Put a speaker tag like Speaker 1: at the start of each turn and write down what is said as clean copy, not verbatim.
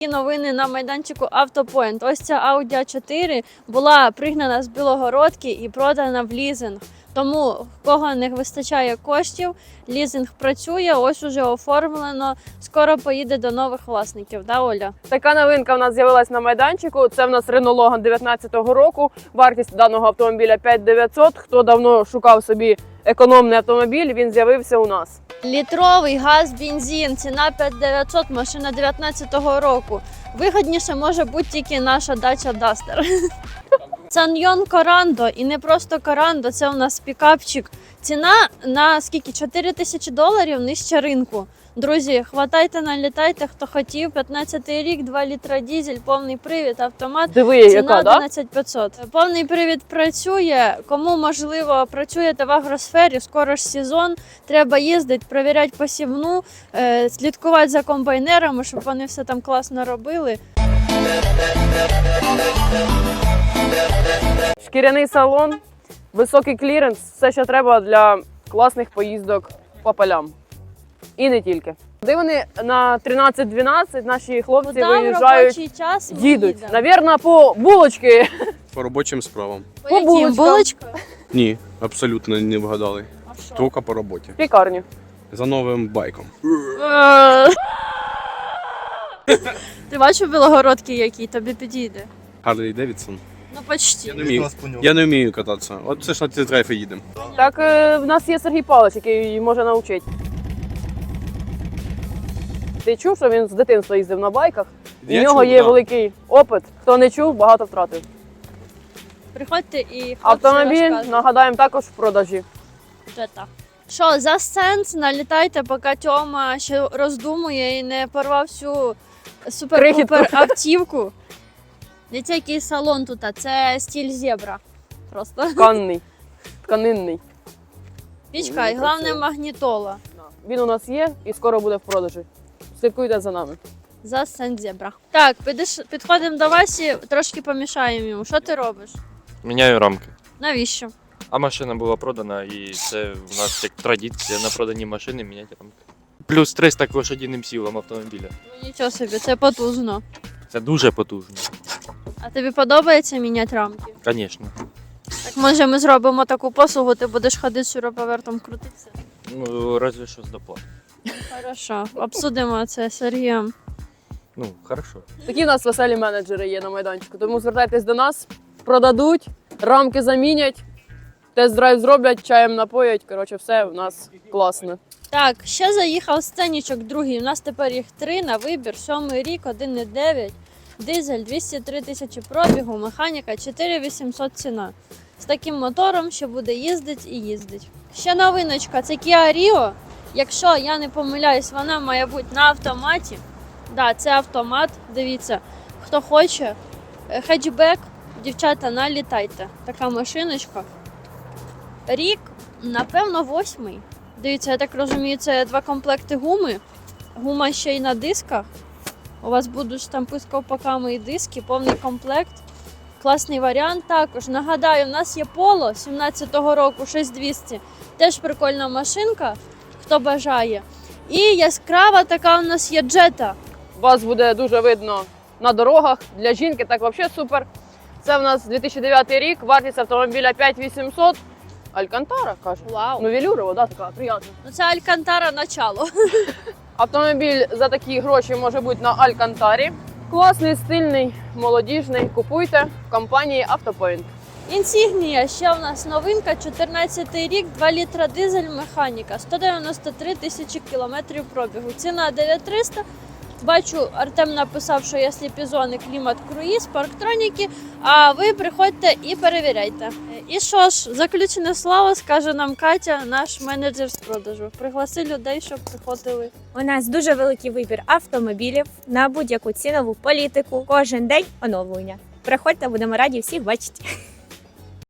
Speaker 1: Новини на майданчику Автопоінт. Ось ця Audi A4 була пригнана з Білогородки і продана в лізинг. Тому, в кого не вистачає коштів, лізинг працює, ось уже оформлено, скоро поїде до нових власників, да, Оля?
Speaker 2: Така новинка в нас з'явилась на майданчику. Це в нас Renault Logan 19-го року. Вартість даного автомобіля 5900. Хто давно шукав собі економний автомобіль, він з'явився у нас.
Speaker 1: Літровий газ, бензин, ціна 5900, машина 19-го року. Вигідніше може бути тільки наша дача Duster. Саньйон Корандо, і не просто Корандо, це у нас пікапчик. Ціна на скільки? $4000 нижче ринку. Друзі, хватайте, налітайте, хто хотів. 15-й рік, 2 літра дизель, повний привід, автомат.
Speaker 2: Диви,
Speaker 1: ціна
Speaker 2: яка, да?
Speaker 1: 11500. Повний привід працює. Кому, можливо, працюєте в агросфері, скоро ж сезон, треба їздити, перевіряти посівну, слідкувати за комбайнерами, щоб вони все там класно робили.
Speaker 2: Шкіряний салон, високий кліренс, все, що треба для класних поїздок по полям. І не тільки. Де вони на 13-12 наші хлопці
Speaker 1: Куда в
Speaker 2: виїжджають,
Speaker 1: робочий час ми
Speaker 2: їдуть.
Speaker 1: їдемо?
Speaker 2: Навірно, по булочки.
Speaker 3: По робочим справам.
Speaker 1: По яким?
Speaker 2: булочкам.
Speaker 1: Булочкою?
Speaker 3: Ні, абсолютно не вгадали.
Speaker 1: А що?
Speaker 3: Тільки по роботі.
Speaker 2: В пікарню.
Speaker 3: За новим байком.
Speaker 1: Ти бачив білогородки які? Тобі підійде?
Speaker 3: Харлі Девідсон.
Speaker 1: Ну, почти.
Speaker 3: Я не вмію кататися. От це ж на тест-драйв і їдемо.
Speaker 2: Так в нас є Сергій Павлович, який може навчити. Ти чув, що він з дитинства їздив на байках? У
Speaker 3: Я
Speaker 2: нього
Speaker 3: чув,
Speaker 2: є
Speaker 3: да.
Speaker 2: великий опит. Хто не чув, багато втратив.
Speaker 1: Приходьте і хлопці
Speaker 2: Автомобіль,
Speaker 1: розказують.
Speaker 2: нагадаємо, також в продажі.
Speaker 1: Вже так. Що, за сенс налітайте, поки Тьома ще роздумує і не порвав всю супер-пупер автівку. Дивіться, який салон тут, а це стиль зебра. Просто.
Speaker 2: Тканний, тканинний.
Speaker 1: Пічка і головне магнітола.
Speaker 2: Він у нас є і скоро буде в продажі. Слідкуйте за нами.
Speaker 1: За сенс зебра. Так, підходимо до Васі, трошки помішаємо йому. Що ти робиш?
Speaker 4: Міняю рамки.
Speaker 1: Навіщо?
Speaker 4: А машина була продана, і це в нас як традиція на продані машини міняти рамки. Плюс 300 к лошадіним силам автомобіля.
Speaker 1: Ну нічого собі, це потужно.
Speaker 4: Це дуже потужно.
Speaker 1: А тобі подобається міняти рамки?
Speaker 4: Звісно.
Speaker 1: Так може ми зробимо таку послугу, ти будеш ходити шуруповертом крутитися?
Speaker 4: Ну, разве що з доплат.
Speaker 1: Хорошо, обсудимо це з Сергієм.
Speaker 4: Ну, хорошо.
Speaker 2: Такі в нас веселі менеджери є на майданчику, тому звертайтесь до нас, продадуть, рамки замінять, тест-драйв зроблять, чаєм напоять. Коротше, все в нас класно.
Speaker 1: Так, ще заїхав сценічок другий. У нас тепер їх 3 на вибір. 7-й рік, 1,9. Дизель, 203 тисячі пробігу, механіка 4800 ціна. З таким мотором, що буде їздить і їздить. Ще новиночка, це Kia Rio. Якщо я не помиляюсь, вона має бути на автоматі. Да, це автомат, дивіться, хто хоче. Хетчбек, дівчата, налітайте. Така машиночка. Рік, напевно, 8-й. Дивіться, я так розумію, це 2 комплекти гуми. Гума ще й на дисках. У вас будуть штампи з ковпаками і диски, повний комплект. Класний варіант також. Нагадаю, у нас є Polo 17-го року 6200. Теж прикольна машинка, хто бажає. І яскрава така у нас є Jetta.
Speaker 2: Вас буде дуже видно на дорогах. Для жінки так взагалі супер. Це в нас 2009 рік, вартість автомобіля 5800. Алькантара, каже.
Speaker 1: Вау.
Speaker 2: Ну, велюрова, да, така, приємна.
Speaker 1: Ну це Алькантара начало.
Speaker 2: Автомобіль за такі гроші може бути на Алькантарі. Класний, стильний, молодіжний. Купуйте в компанії Автопоінт.
Speaker 1: Інсігнія, ще у нас новинка, 14-й рік, 2 літра дизель, механіка, 193 тисячі кілометрів пробігу. Ціна 9300. Бачу, Артем написав, що є сліпізони, клімат, круїз, парктроніки, а ви приходьте і перевіряйте. І що ж, заключне слово скаже нам Катя, наш менеджер з продажу. Пригласи людей, щоб приходили.
Speaker 5: У нас дуже великий вибір автомобілів на будь-яку цінову політику. Кожен день оновлення. Приходьте, будемо раді всіх бачити.